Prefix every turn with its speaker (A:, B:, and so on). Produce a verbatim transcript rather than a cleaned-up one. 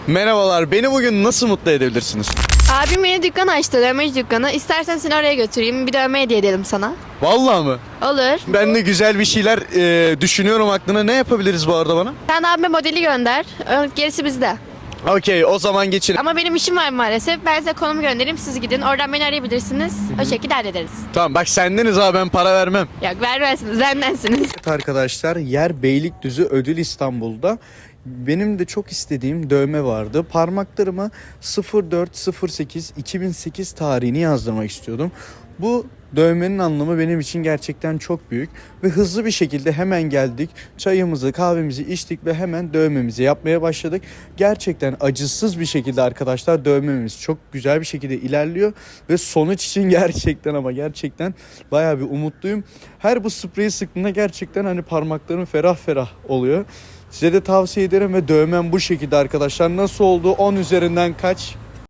A: Merhabalar, beni bugün nasıl mutlu edebilirsiniz?
B: Abim yeni dükkan açtı, dövmeci dükkanı. İstersen seni oraya götüreyim, bir dövme hediye edelim sana.
A: Vallahi mı?
B: Olur.
A: Ben de güzel bir şeyler e, düşünüyorum aklına. Ne yapabiliriz bu arada bana?
B: Sen abime modeli gönder, ö- gerisi bizde.
A: Okey, o zaman geçelim.
B: Ama benim işim var maalesef. Ben size konumu göndereyim, siz gidin. Oradan beni arayabilirsiniz. O şekilde hallederiz.
A: Tamam, bak sendeniz ha, ben para vermem.
B: Yok vermezsiniz, bendensiniz.
A: Evet arkadaşlar, yer Beylikdüzü Ödül İstanbul'da. Benim de çok istediğim dövme vardı. Parmaklarıma sıfır dört sıfır sekiz iki bin sekiz tarihini yazdırmak istiyordum. Bu dövmenin anlamı benim için gerçekten çok büyük ve hızlı bir şekilde hemen geldik. Çayımızı, kahvemizi içtik ve hemen dövmemizi yapmaya başladık. Gerçekten acısız bir şekilde arkadaşlar dövmemiz çok güzel bir şekilde ilerliyor ve sonuç için gerçekten ama gerçekten bayağı bir umutluyum. Her bu spreyi sıktığımda gerçekten hani parmaklarım ferah ferah oluyor. Size de tavsiye ederim ve dövmem bu şekilde arkadaşlar. Nasıl oldu? on üzerinden kaç?